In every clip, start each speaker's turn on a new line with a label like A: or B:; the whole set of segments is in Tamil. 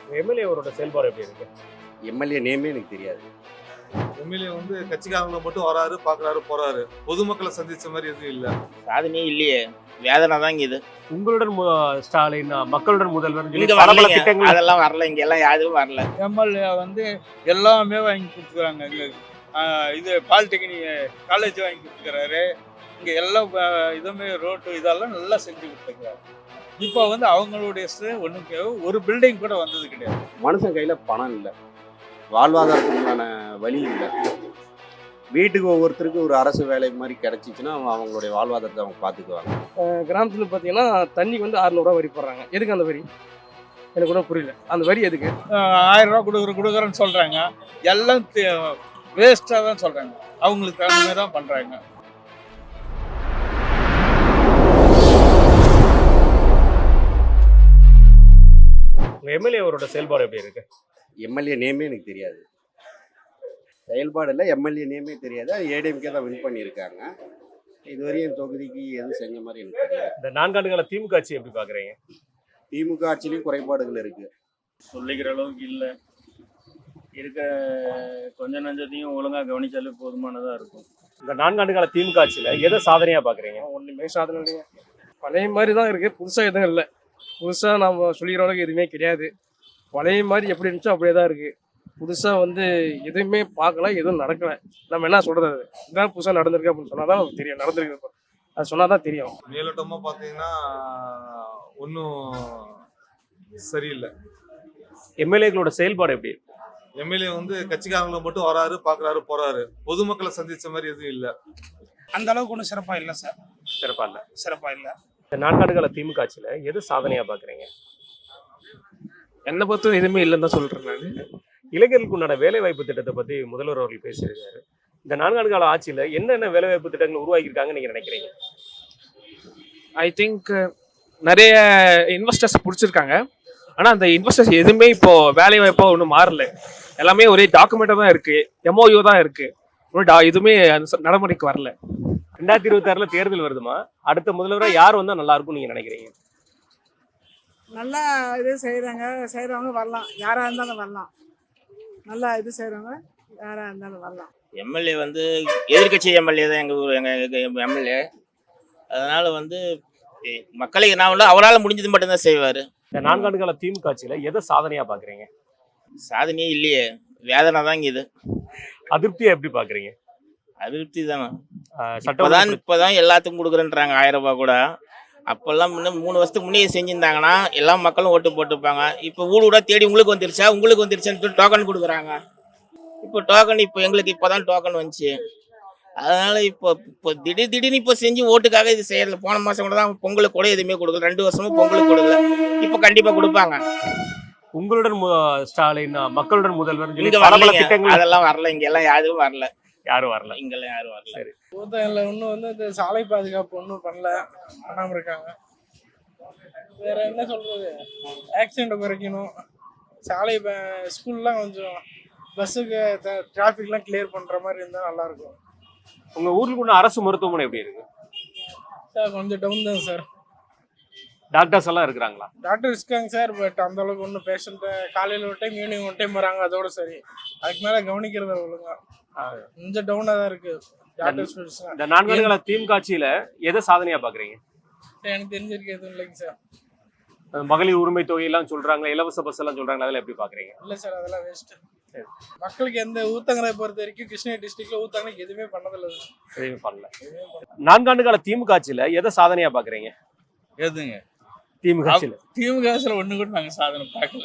A: எம்எல்ஏ அவரோட செயல்பாடு எப்படி இருக்கு?
B: எம்எல்ஏ நேமே எனக்கு தெரியாது.
C: எம்எல்ஏ வந்து கட்சிக்காரங்களை மட்டும் வராரு, பாக்குறாரு, போறாரு. பொதுமக்களை சந்திச்ச மாதிரி எதுவும் இல்ல.
D: சாதனையே இல்லையே, வேதனை தான் இது.
A: உங்களுடன் ஸ்டாலின் மக்களுடன் முதல்வர்
D: இங்க வரல, அதெல்லாம் வரல, இங்க எல்லாம் யாரும் வரல.
E: எம்எல்ஏ வந்து எல்லாமே வாங்கி கொடுத்துக்கிறாங்க. எங்களுக்கு இது பாலிடெக்னிக் காலேஜ் வாங்கி கொடுத்துக்கிறாரு. இங்கே எல்லா இதுவுமே ரோட்டு இதெல்லாம் நல்லா செஞ்சு கொடுத்துக்கிறாரு. இப்போ வந்து அவங்களுடைய ஒன்றுக்கு ஒரு பில்டிங் கூட வந்தது கிடையாது.
B: மனுஷன் கையில் பணம் இல்லை, வாழ்வாதாரத்துக்கான வழி இல்லை. வீட்டுக்கு ஒவ்வொருத்தருக்கும் ஒரு அரசு வேலை மாதிரி கிடைச்சிச்சுன்னா அவங்களுடைய வாழ்வாதாரத்தை அவங்க பார்த்துக்குவாங்க.
F: கிராமத்தில் பார்த்தீங்கன்னா தண்ணிக்கு வந்து 600 ரூபா வரி போடுறாங்க. எதுக்கு அந்த வரி? எனக்கு கூட புரியல. அந்த வரி எதுக்கு?
E: 1000 ரூபா கொடுக்குறேன்னு சொல்கிறாங்க. எல்லாம் வேஸ்ட்டாக தான் சொல்கிறாங்க. அவங்களுக்கு தகுந்த மாதிரி தான் பண்ணுறாங்க.
A: எம்எல்ஏ அவரோட செயல்பாடு எப்படி இருக்கு?
B: எம்எல்ஏ நேமே எனக்கு தெரியாது. செயல்பாடு இல்லை, எம்எல்ஏ நேமே தெரியாது. அது ஏடிஎம்கே தான் வின் பண்ணியிருக்காங்க. இதுவரையும் தொகுதிக்கு எதுவும் செஞ்ச மாதிரி எனக்கு தெரியாது.
A: இந்த 4 ஆண்டுகால திமுக ஆட்சி எப்படி பார்க்குறீங்க?
B: திமுக ஆட்சியிலையும் குறைபாடுகள் இருக்குது.
G: சொல்லிக்கிற அளவுக்கு இல்லை. இருக்க கொஞ்ச நஞ்சத்தையும் ஒழுங்காக கவனிச்சாலே போதுமானதாக இருக்கும்.
A: இந்த 4 ஆண்டுகால திமுக ஆட்சியில் எதை சாதனையாக பார்க்குறீங்க?
F: ஒன்றுமே சாதனை இல்லைங்க. பழைய மாதிரி தான் இருக்குது, புதுசாக எதுவும் இல்லை. புதுசாக நம்ம சொல்லிக்கிற அளவுக்கு எதுவுமே கிடையாது. பழைய மாதிரி எப்படி இருந்துச்சோ அப்படியே தான் இருக்குது. புதுசாக வந்து எதுவுமே பார்க்கல, எதுவும் நடக்கலை. நம்ம என்ன சொல்கிறது? அது இதுதான் புதுசாக நடந்திருக்கு அப்படின்னு சொன்னால் தான் நமக்கு தெரியும். நடந்திருக்கு அது சொன்னால் தான் தெரியும்.
C: மேலோட்டமாக பார்த்தீங்கன்னா ஒன்றும் சரியில்லை.
A: எம்எல்ஏக்களோட செயல்பாடு எப்படி இருக்கு?
C: எம்எல்ஏ வந்து கட்சிக்காரங்களை மட்டும் வராரு, பாக்குறாரு, போறாரு. பொதுமக்களை சந்திச்ச மாதிரி எதுவும் இல்லை.
H: அந்த அளவுக்கு ஒன்றும் சிறப்பாக இல்லை சார்.
A: சிறப்பாக இல்லை.
H: சிறப்பாக இல்லை.
A: இந்த 4 ஆண்டுகால திமுக ஆட்சியில் எது சாதனையாக பார்க்குறீங்க?
F: என்னை பொறுத்தும் எதுவுமே இல்லைன்னு தான் சொல்கிறேன் நான்.
A: இளைஞர்களுக்கு உண்டான வேலைவாய்ப்பு திட்டத்தை பற்றி முதல்வர் அவர்கள் பேசியிருக்காரு. இந்த 4 ஆண்டுகால ஆட்சியில் என்னென்ன வேலைவாய்ப்பு திட்டங்கள் உருவாக்கியிருக்காங்கன்னு நீங்கள் நினைக்கிறீங்க?
F: ஐ திங்க் நிறைய இன்வெஸ்டர்ஸ் பிடிச்சிருக்காங்க. ஆனால் அந்த இன்வெஸ்டர்ஸ் எதுவுமே இப்போது வேலை வாய்ப்பாக ஒன்றும் மாறல. எல்லாமே ஒரே டாக்குமெண்ட்டாக தான் இருக்குது, எம்ஓயு தான் இருக்குது. ஒன்றும் எதுவுமே நடைமுறைக்கு வரல.
A: 2026 தேர்தல் வருதுமா? அடுத்த முதல்வராக யார் வந்தால் நல்லா இருக்கும்னு நீங்கள் நினைக்கிறீங்க?
I: நல்லா இது செய்கிறவங்க வரலாம், யாராக இருந்தாலும் வரலாம். நல்லா இது செய்கிறவங்க யாராக இருந்தாலும் வரலாம்.
D: எம்எல்ஏ வந்து எதிர்கட்சி எம்எல்ஏ தான் எங்கள் ஊர், எங்கள் எம்எல்ஏ. அதனால் வந்து மக்களுக்கு நான் வந்து அவரால் முடிஞ்சது மட்டும்தான் செய்வார்.
A: இந்த 4 ஆண்டுகால திமுக ஆட்சியில் எதை சாதனையாக பார்க்குறீங்க?
D: சாதனையே இல்லையே, வேதனை தான் இது.
A: அதிருப்தியை எப்படி பார்க்குறீங்க?
D: அதிருப்தி தானே.
A: சட்டம்
D: இப்போதான் எல்லாத்துக்கும் கொடுக்குறேன்றாங்க 1000 ரூபாய் கூட. அப்போல்லாம் முன்ன 3 வருஷத்துக்கு முன்னே செஞ்சுருந்தாங்கன்னா எல்லா மக்களும் ஓட்டு போட்டுப்பாங்க. இப்போ ஊட தேடி உங்களுக்கு வந்துருச்சான்னு டோக்கன் கொடுக்குறாங்க. இப்போ டோக்கன் எங்களுக்கு இப்போ தான் டோக்கன் வந்துச்சு. அதனால இப்போ திடீர்னு இப்போ செஞ்சு ஓட்டுக்காக இது செய்யறதில்ல. போன மாதம் கூட தான் பொங்கலுக்கு கூட எதுவுமே கொடுக்கல, 2 வருஷமும் பொங்கலுக்கு கொடுக்கல. இப்போ கண்டிப்பாக கொடுப்பாங்க.
A: உங்களுடன் ஸ்டாலின் மக்களுடன் முதல்வர்
D: இங்க வரல, அதெல்லாம் வரல, இங்க எல்லாம் யாரும் வரல. இங்கெல்லாம் யாரும் வரல.
A: சரி,
H: ஊத்தகல்ல ஒன்றும் வந்து இந்த சாலை பாதுகாப்பு ஒன்றும் பண்ணாமல் இருக்காங்க. வேற என்ன சொல்றது? ஆக்சிடென்ட்டை குறைக்கணும். சாலை ஸ்கூல்லாம் கொஞ்சம் பஸ்ஸுக்கு டிராஃபிக்லாம் கிளியர் பண்ணுற மாதிரி இருந்தால் நல்லாயிருக்கும்.
A: உங்கள் ஊருக்கு உள்ள அரசு மருத்துவமனை எப்படி இருக்கு?
H: சார் கொஞ்சம் டவுன் தான் சார்.
A: டாக்டர்ஸ் எல்லாம் இருக்கிறாங்களா?
H: டாக்டர் இருக்காங்க சார், பட் அந்த அளவுக்கு ஒன்றும் பேஷண்ட்டு காலையில் ஒரு டைம் ஈவினிங் ஒரு டைம் வராங்க, அதோட சரி. அதுக்கு மேலே கவனிக்கிறது ஒழுங்கா கொஞ்சம் டவுனாக தான் இருக்கு டாக்டர்ஸ்.
A: இந்த 4 ஆண்டுகால திமுக ஆட்சியில எதை சாதனையாக பார்க்குறீங்க?
H: எனக்கு தெரிஞ்சிருக்கு எதுவும் இல்லைங்க சார்.
A: மகளிர் உரிமை தொகை எல்லாம் சொல்றாங்க, இலவச பஸ் எல்லாம் சொல்றாங்க, அதெல்லாம் எப்படி பார்க்குறீங்க?
H: இல்லை சார், அதெல்லாம் வேஸ்ட். மக்களுக்கு எந்த ஊத்தங்கரை பொறுத்த வரைக்கும் கிருஷ்ணகிரி டிஸ்ட்ரிக்ட்ல ஊத்தங்கரைக்கு எதுவுமே பண்ணதில்லை.
A: எதுவுமே பண்ணல. 4 ஆண்டுகால திமுக ஆட்சியில எதை சாதனையாக பார்க்குறீங்க?
E: எதுங்க?
A: திமுக ஆட்சியில்
E: ஒன்று கூட நாங்கள் சாதனை பார்க்கல.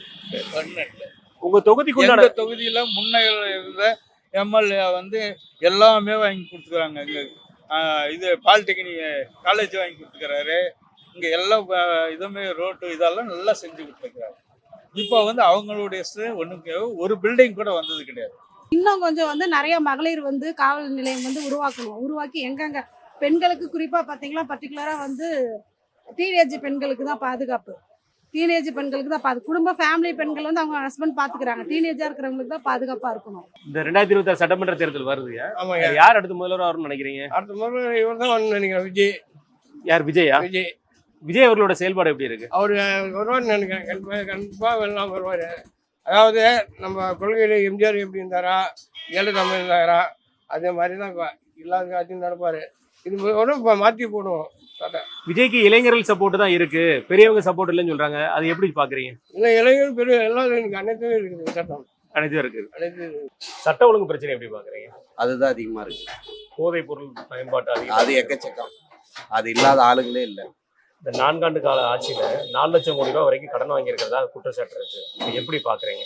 A: உங்க தொகுதிக்குள்ள
E: தொகுதியில முன்ன இருந்த எம்எல்ஏ வந்து எல்லாமே வாங்கி கொடுத்துக்கிறாங்க. எங்களுக்கு இது பாலிடெக்னிக் காலேஜ் வாங்கி கொடுத்துக்கிறாரு. இங்கே எல்லா இதுவுமே ரோட்டு இதெல்லாம் நல்லா செஞ்சு கொடுத்துக்கிறாரு. இப்போ வந்து அவங்களுடைய ஒன்றுக்கு ஒரு பில்டிங் கூட வந்தது கிடையாது.
I: இன்னும் கொஞ்சம் வந்து நிறைய மகளிர் வந்து காவல் நிலையம் வந்து உருவாக்கி எங்கெங்க பெண்களுக்கு குறிப்பாக பார்த்தீங்கன்னா பர்டிகுலராக வந்து டீனேஜ் பெண்களுக்கு தான் பாதுகாப்பு. குடும்ப ஃபேமிலி பெண்கள் வந்து அவங்க ஹஸ்பண்ட் பார்த்துக்கிறாங்க. டீனேஜாக இருக்கிறவங்களுக்கு தான் பாதுகாப்பாக இருக்கணும்.
A: இந்த 2026 சட்டமன்ற தேர்தல் வருது.
H: ஆமாங்க.
A: யார் அடுத்த முதல்வர் வரும்னு நினைக்கிறீங்க?
H: அடுத்த முறை இவர் தான் நினைக்கிறேன். விஜய்.
A: யார்? விஜயா?
H: விஜய்.
A: விஜய் அவர்களோட செயல்பாடு எப்படி இருக்கு?
F: அவர் வருவார்னு நினைக்கிறேன். கண்டிப்பாக எல்லாம் வருவார். அதாவது நம்ம கொள்கையில் எம்ஜிஆர் எப்படி இருந்தாரா, ஜெயலலிதா இருந்தாரா, அதே மாதிரி தான் எல்லா காட்சியும் நடப்பார். இது ஒன்றும் மாற்றி போடுவோம்.
A: விஜய்க்கு இளைஞர்கள் சப்போர்ட் தான் இருக்கு, பெரியவங்க சப்போர்ட் இல்லைன்னு சொல்றாங்க. அது எப்படி பாக்குறீங்க?
F: இல்லை இளைஞர் பெரிய எல்லாம் எனக்கு அனைத்தும் இருக்குது. சட்டம்
A: அனைத்தும் இருக்கு.
F: அனைத்து
A: சட்ட ஒழுங்கு பிரச்சனை எப்படி பாக்குறீங்க?
B: அதுதான் அதிகமாக இருக்குது.
A: போதைப் பொருள் பயன்பாட்டு
B: அது
A: அதிகம்.
B: எக்கச்சக்கம். அது இல்லாத ஆளுங்களே இல்லை.
A: இந்த 4 ஆண்டு கால ஆட்சியில 4 லட்சம் கோடி ரூபாய் வரைக்கும் கடன் வாங்கியிருக்கிறதா குற்றச்சாட்டு இருக்கு. இது எப்படி பாக்குறீங்க?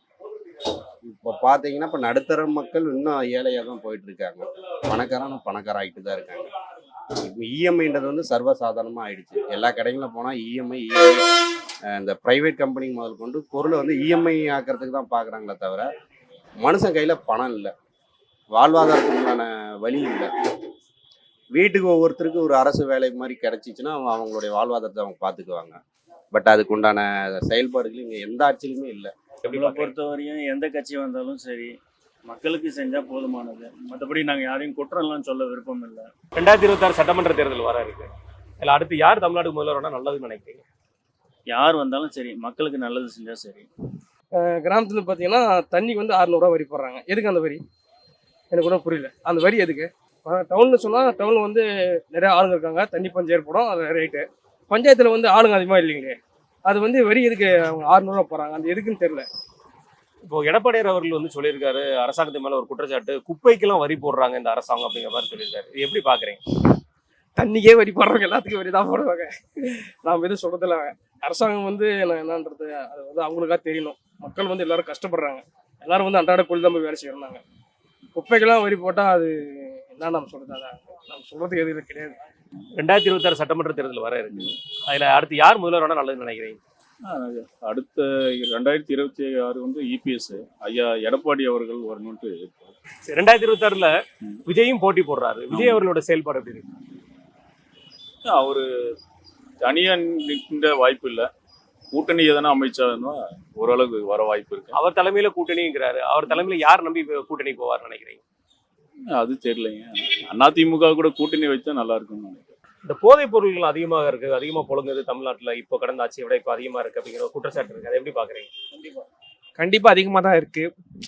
B: இப்போ பார்த்தீங்கன்னா இப்போ நடுத்தர மக்கள் இன்னும் ஏழையாக தான் போயிட்டு இருக்காங்க. பணக்காரன் ஆகிட்டு தான் இருக்காங்க. இப்போ இஎம்ஐன்றது வந்து சர்வசாதாரணமாக ஆயிடுச்சு. எல்லா கடைகளில் போனால் இஎம்ஐ இந்த ப்ரைவேட் கம்பெனி முதல் கொண்டு பொருளை வந்து இஎம்ஐ ஆக்கிறதுக்கு தான் பார்க்குறாங்களே தவிர மனுஷன் கையில் பணம் இல்லை, வாழ்வாதாரத்துக்கான வழி இல்லை. வீட்டுக்கு ஒவ்வொருத்தருக்கு ஒரு அரசு வேலை மாதிரி கிடைச்சிச்சுன்னா அவங்களுடைய வாழ்வாதாரத்தை அவங்க பார்த்துக்குவாங்க. பட் அதுக்கு உண்டான செயல்பாடுகள் இங்கே எந்த ஆட்சியிலுமே இல்லை.
G: நம்மளை பொறுத்தவரையும் எந்த கட்சி வந்தாலும் சரி, மக்களுக்கு செஞ்சால் போதுமானது. மற்றபடி நாங்கள் யாரையும் குற்றம்லாம் சொல்ல விருப்பம் இல்லை.
A: 2026 சட்டமன்ற தேர்தல் வர இருக்கு. இல்லை அடுத்து யார் தமிழ்நாடு முதல்வரானா நல்லதுன்னு நினைக்கிறீங்க?
G: யார் வந்தாலும் சரி, மக்களுக்கு நல்லது செஞ்சால் சரி.
F: கிராமத்தில் பார்த்தீங்கன்னா தண்ணிக்கு வந்து 600 வரி போடுறாங்க. எதுக்கு அந்த வரி? எனக்கு ஒன்றும் புரியல. அந்த வரி எதுக்கு? டவுன்னு சொன்னால் டவுனில் வந்து நிறைய ஆளுங்க இருக்காங்க, தண்ணி பஞ்சம் ஏற்படும், அது ரேட்டு. பஞ்சாயத்தில் வந்து ஆளுங்க அதிகமாக இல்லைங்களே, அது வந்து வரி எதுக்கு அவங்க 600 போகிறாங்க? அது எதுக்குன்னு தெரியல.
A: இப்போ எடப்பாடியார் அவர்கள் வந்து சொல்லியிருக்காரு, அரசாங்கத்து மேல ஒரு குற்றச்சாட்டு, குப்பைக்கெல்லாம் வரி போடுறாங்க இந்த அரசாங்கம் அப்படிங்கிற மாதிரி சொல்லியிருக்காரு. இது எப்படி பாக்குறீங்க?
F: தண்ணிக்கே வரி போடுறவங்க எல்லாத்துக்கும் வரி தான் போடுவாங்க. நாம் எதுவும் சொல்கிறதில்ல. அரசாங்கம் வந்து என்னன்றது அது வந்து அவங்களுக்காக தெரியணும். மக்கள் வந்து எல்லாரும் கஷ்டப்படுறாங்க. எல்லாரும் வந்து அன்றாட கூலி தான் போய் வேலை செய்கிறாங்க. குப்பைக்கெல்லாம் வரி போட்டால் அது என்ன நம்ம சொல்கிறது? அதான் நம்ம சொல்கிறதுக்கு எதுவும் கிடையாது.
A: 2026 சட்டமன்ற தேர்தல் வர இருக்கு. அதுல அடுத்து யார் முதல்வரானா நல்லதுன்னு நினைக்கிறீங்க?
J: அடுத்த 2026 வந்து இபிஎஸ் ஐயா எடப்பாடி அவர்கள் வரணும்ட்டு.
A: 2026ல விஜயும் போட்டி போடுறாரு. விஜய் அவர்களோட செயல்பாடு எப்படி இருக்கு?
J: அவரு தனியா நிற்கின்ற வாய்ப்பு இல்லை. கூட்டணி எதனா அமைச்சாருன்னா ஓரளவுக்கு வர வாய்ப்பு இருக்கு.
A: அவர் தலைமையில கூட்டணிங்கிறாரு. அவர் தலைமையில யார் நம்பி கூட்டணி போவார்னு நினைக்கிறீங்க?
J: அது தெரியலைங்க. அதிமுக கூட கூட்டணி வச்சா நல்லா இருக்கும்னு நினைக்கிறேன்.
A: இந்த போதைப் பொருள்கள் அதிகமாக இருக்கு, அதிகமா புழங்குது தமிழ்நாட்டுல. இப்போ கடந்த ஆட்சியை விட இப்போ அதிகமா இருக்கு அப்படிங்கிற ஒரு குற்றச்சாட்டு இருக்கு. அதை எப்படி பாக்குறீங்க?
F: கண்டிப்பாக அதிகமாக தான் இருக்குது.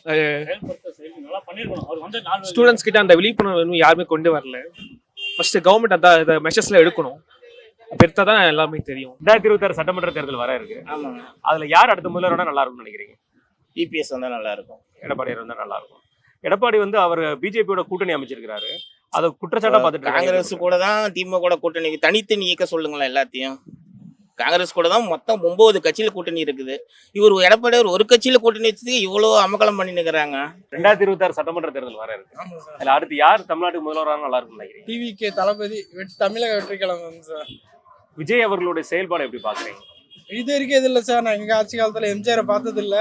G: ஸ்டூடெண்ட்ஸ்
F: ஸ்டூடெண்ட்ஸ் கிட்ட அந்த விழிப்புணர்வு இன்னும் யாருமே கொண்டு வரல. ஃபர்ஸ்ட் கவர்மெண்ட் அந்த மெஷர்ஸ்லாம் எடுக்கணும். பெருத்தா தான் எல்லாமே தெரியும்.
A: 2026 சட்டமன்ற தேர்தல் வர இருக்கு.
D: ஆமாங்க.
A: அதுல யார் அடுத்த முதல்வரானா நல்லா இருக்கும்னு நினைக்கிறீங்க?
D: இபிஎஸ் வந்தால் நல்லா இருக்கும்.
A: எடப்பாடியார் வந்தா நல்லா இருக்கும். எடப்பாடி வந்து அவர் பிஜேபியோட கூட்டணி அமைச்சிருக்கிறாரு. அதை குற்றச்சாட்டா பார்த்துட்டு
D: காங்கிரஸ் கூட தான் திமுக கூட கூட்டணி, தனித்து நீக்க சொல்லுங்களேன் எல்லாத்தையும். காங்கிரஸ் கூட தான் மொத்தம் 9 கட்சியில கூட்டணி இருக்குது. இவர் எடப்பாடியார் ஒரு கட்சியில கூட்டணி வச்சதுக்கு இவ்வளோ அமக்கலம் பண்ணி நிற்கிறாங்க.
A: 2026 சட்டமன்ற தேர்தல் வர இருக்கு. அதுல அடுத்து யார் தமிழ்நாட்டுக்கு முதல்வரானா நல்லா இருக்கும்னு நினைக்கிறீங்க?
H: டிவிகே தளபதி தமிழக வெற்றிக்கிழமை சார்.
A: விஜய் அவர்களுடைய செயல்பாடு எப்படி பாக்குறீங்க?
H: இது வரைக்கும் இது இல்லை சார். நான் எங்கள் ஆட்சி காலத்தில் எம்ஜிஆரை பார்த்ததில்ல,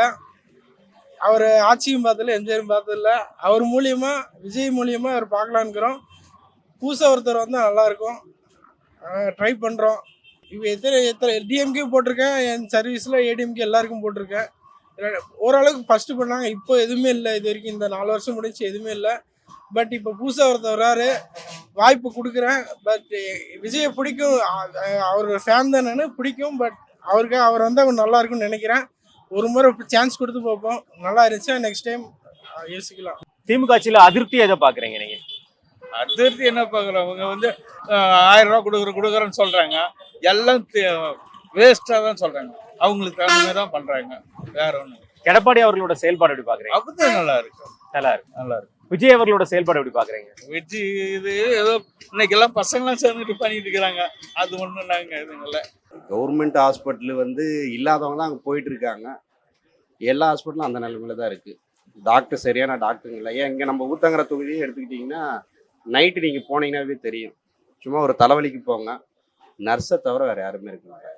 H: அவர் ஆட்சியும் பார்த்ததில்ல, எம்ஜிஆரும் பார்த்ததில்ல. அவர் மூலியமா விஜய் மூலியமா அவர் பார்க்கலான்னுக்கிறோம். புதுசாக ஒருத்தர் வந்தால் நல்லாயிருக்கும். ட்ரை பண்ணுறோம். இப்போ எத்தனை டிஎம்கே போட்டிருக்கேன், என் சர்வீஸில் ஏடிஎம்கே எல்லாருக்கும் போட்டிருக்கேன். ஓரளவுக்கு ஃபஸ்ட்டு பண்ணாங்க. இப்போ எதுவுமே இல்லை. இது வரைக்கும் இந்த 4 வருஷம் முடிச்சு எதுவுமே இல்லை. பட் இப்போ புதுசாக ஒருத்தர் வராரு, வாய்ப்பு கொடுக்குறேன். பட் விஜயை பிடிக்கும், அவர் ஃபேன் தான் நான், பிடிக்கும். பட் அவர் வந்தால் கொஞ்சம் நல்லா இருக்கும்னு நினைக்கிறேன். ஒரு முறை சான்ஸ் கொடுத்து பார்ப்போம். நல்லா இருந்துச்சா நெக்ஸ்ட் டைம் யோசிக்கலாம்.
A: திமுக ஆட்சியில அதிருப்தி எதை பாக்குறீங்க நீங்க?
E: அதிர்த்தி என்ன பார்க்குறோம், அவங்க வந்து 1000 ரூபா கொடுக்குறேன்னு சொல்கிறாங்க. எல்லாம் வேஸ்ட்டாக தான் சொல்கிறாங்க. அவங்களுக்கு தகுந்த மாதிரி தான் பண்ணுறாங்க, வேற ஒன்று.
A: எடப்பாடி அவர்களோட செயல்பாடு எப்படி பாக்குறீங்க?
E: அப்படிதான் நல்லா இருக்கு.
A: நல்லா இருக்கு.
E: நல்லா இருக்கு.
A: விஜய் அவர்களோட செயல்பாடு எப்படி பாக்குறீங்க?
E: வெஜ்ஜி இது ஏதோ இன்னைக்கு எல்லாம் பசங்களாம் சேர்ந்துட்டு பண்ணிட்டு இருக்கிறாங்க. அது ஒன்றும் நாங்கள் இதுங்கள
B: கவர்மெண்ட் ஹாஸ்பிட்டல் வந்து இல்லாதவங்க தான் அங்கே போயிட்டு இருக்காங்க. எல்லா ஹாஸ்பிட்டலும் அந்த நிலைமையில தான் இருக்குது. டாக்டர் சரியான டாக்டருங்க இல்லை. ஏன் இங்கே நம்ம ஊத்தங்கர தொகுதியை எடுத்துக்கிட்டிங்கன்னா நைட்டு நீங்கள் போனீங்கன்னாவே தெரியும். சும்மா ஒரு தலைவலிக்கு போங்க, நர்ஸை தவிர வேறு யாருமே இருக்க மாட்டாங்க.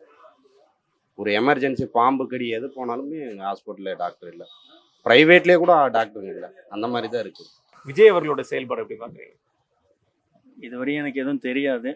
B: ஒரு எமர்ஜென்சி பாம்பு கடி எது போனாலுமே எங்கள் ஹாஸ்பிட்டலில் டாக்டர் இல்லை. ப்ரைவேட்லேயே கூட டாக்டருங்க இல்லை. அந்த மாதிரி தான் இருக்குது.
A: விஜய் அவர்களோட செயல்பாடு எப்படி பாக்குறீங்க?
G: இதுவரையும் எனக்கு எதுவும் தெரியாது.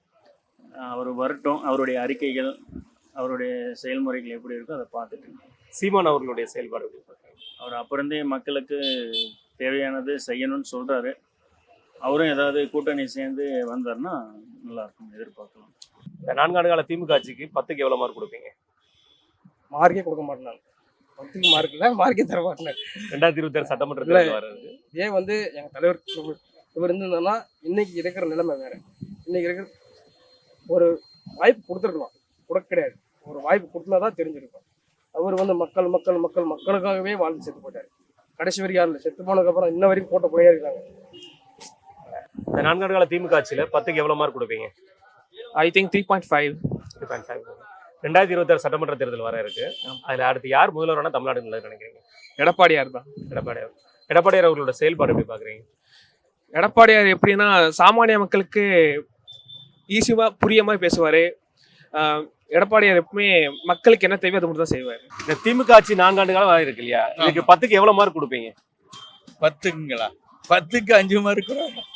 G: அவர் வரட்டும், அவருடைய அறிக்கைகள், அவருடைய செயல்முறைகள் எப்படி இருக்கோ அதை பார்த்துட்டு.
A: சீமான் அவர்களுடைய செயல்பாடு எப்படி பாக்குறீங்க?
G: அவர் அப்புறந்தே மக்களுக்கு தேவையானது செய்யணும்னு சொல்கிறாரு. அவரும் ஏதாவது கூட்டணி சேர்ந்து வந்தார்னா நல்லாயிருக்கும், எதிர்பார்க்கலாம்.
A: இந்த 4 ஆண்டு கால திமுக ஆட்சிக்கு 10க்கு எவ்வளவு மார்க் கொடுப்பீங்க?
F: மார்க்கே கொடுக்க மாட்டேன். 10க்கு மார்க் இல்லை, மார்க்கே தர மாட்டேன்.
A: 2026 சட்டமன்ற தேர்தல் வர்றது.
F: ஏன் வந்து எங்கள் தலைவர் இவர் இருந்ததுன்னா இன்னைக்கு இருக்கிற நிலைமை வேற. இன்னைக்கு இருக்கிற ஒரு வாய்ப்பு கொடுத்துருக்கலாம், கொடுக்க கிடையாது. ஒரு வாய்ப்பு கொடுத்தா தான் தெரிஞ்சிருக்கும். அவர் வந்து மக்களுக்காகவே வாழ்ந்து செத்து போட்டார். கடைசி வரைக்கும் யாரும் இல்லை. செத்து போனதுக்கப்புறம் இன்ன வரைக்கும் போட்ட போயே இருக்காங்க.
A: இந்த 4 ஆண்டு கால திமுக ஆட்சியில 10க்கு எவ்வளவு மார்க் கொடுப்பீங்க?
K: I think 3.5.
A: 3.5. 2026 சட்டமன்ற தேர்தல் வர இருக்கு. அதுல அடுத்து யார் முதல்வரான தமிழ்நாடு நினைக்கிறீங்க?
K: எடப்பாடியார் தான்.
A: எடப்பாடியார் அவர்களோட செயல்பாடு எப்படி பாக்குறீங்க?
K: எடப்பாடியார் எப்படின்னா சாமானிய மக்களுக்கு ஈஸியாக புரிய மாதிரி பேசுவார். எடப்பாடியார் எப்பவுமே மக்களுக்கு என்ன தேவையோ அதை மட்டும் தான் செய்வார்.
A: இந்த திமுக ஆட்சி 4 ஆண்டு காலம் வர இருக்கு இல்லையா, இதுக்கு 10க்கு எவ்வளவு மார்க் கொடுப்பீங்க?
E: 10ங்களா? 10க்கு 5 மார்க்.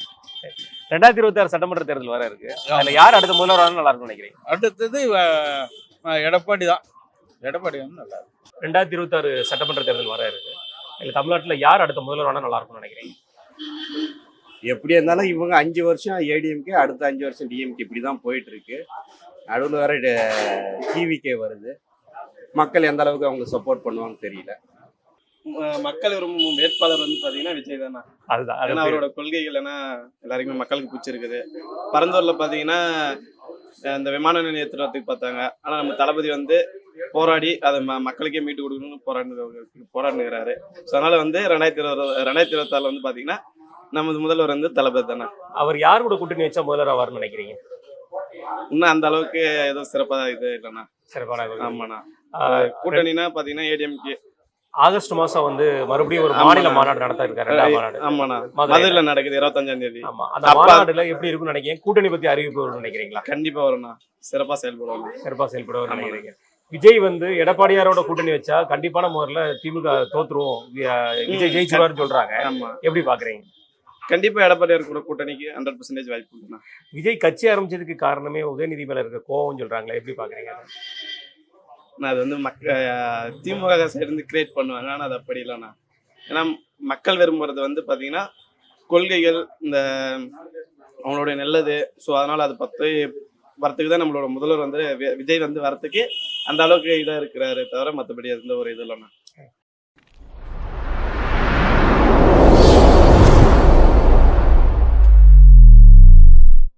A: 2026 சட்டமன்ற தேர்தல் வர இருக்கு. அதுல யார் அடுத்த முதல்வரான நல்லா இருக்கும்னு நினைக்கிறீங்க?
E: அடுத்தது எடப்பாடி தான். எடப்பாடி வந்து நல்லா இருக்கும்.
A: 2026 சட்டமன்ற தேர்தல் வர இருக்கு. இல்ல தமிழ்நாட்டுல யார் அடுத்த முதல்வரான நல்லா இருக்கும்னு நினைக்கிறீங்க?
B: எப்படி இருந்தாலும் இவங்க 5 வருஷம் ஏடிஎம்கே, அடுத்த 5 வருஷம் டிஎம்கே, இப்படி தான் போயிட்டு இருக்கு. நடுவில் வேற டிவிகே வருது. மக்கள் எந்த அளவுக்கு அவங்க சப்போர்ட் பண்ணுவாங்க தெரியல.
L: மக்கள் விரும்பும் வேட்பாளர் வந்து பாத்தீங்கன்னா விஜய் தானே.
A: அதுதான்.
L: ஏன்னா அவரோட கொள்கைகள் ஏன்னா எல்லாருக்குமே மக்களுக்கு பிடிச்சிருக்குது. பரந்தூர்ல பாத்தீங்கன்னா இந்த விமான நிலையத்துறதுக்கு பார்த்தாங்க. ஆனா நம்ம தளபதி வந்து போராடி அதை மக்களுக்கே மீட்டு கொடுக்கணும்னு போராடுகிறாரு. ஸோ அதனால வந்து 2026 வந்து பாத்தீங்கன்னா நமது முதல்வர் வந்து தளபதி தானே.
A: அவர் யார் கூட கூட்டணி வச்சா முதல்வர் ஆவார்னு நினைக்கிறீங்க?
L: இன்னும் அந்த அளவுக்கு ஏதோ சிறப்பா இது இல்லைண்ணா.
A: சிறப்பான
L: ஆமாண்ணா. கூட்டணினா பாத்தீங்கன்னா ஏடிஎம்கே
A: ஆகஸ்ட் மாசம் வந்து மறுபடியும் ஒரு மாநில மாநாடு நடத்த இருக்காரு.
L: ஆமாண்ணா, மதுரையில நடக்குது 25ஆம் தேதி.
A: ஆமா, அந்த மாநாடுல எப்படி இருக்கும்னு நினைக்கிறீங்க? கூட்டணி பத்தி அறிவிப்பு வரும்னு நினைக்கிறீங்களா?
L: கண்டிப்பா வரும்ண்ணா. சிறப்பா செயல்படுவாங்க.
A: நினைக்கிறீங்க? விஜய் வந்து எடப்பாடியாரோட கூட்டணி வச்சா கண்டிப்பான முறையில திமுக தோத்துருவோம், விஜய் ஜெயிச்சுவாருன்னு சொல்றாங்க.
L: ஆமா,
A: எப்படி பாக்குறீங்க?
L: கண்டிப்பா எடப்பாடியார் கூட கூட்டணிக்கு 100% வாய்ப்பு இருக்குண்ணா.
A: விஜய் கட்சி ஆரம்பிச்சதுக்கு காரணமே உதயநிதி மேல இருக்க கோவம் சொல்றாங்களே, எப்படி பாக்குறீங்க?
L: அது வந்து திமுக சைடு கிரியேட் பண்ணுவாங்க. ஆனால் அது அப்படி இல்லைண்ணா. ஏன்னா மக்கள் விரும்புறது வந்து பார்த்தீங்கன்னா கொள்கைகள், இந்த அவங்களுடைய நல்லது. ஸோ அதனால அது வரத்துக்கு தான் நம்மளோட முதல்வர் வந்து விஜய் வந்து வரத்துக்கு அந்த அளவுக்கு இதாக இருக்கிறாரு தவிர மற்றபடி எந்த ஒரு இது இல்லைண்ணா.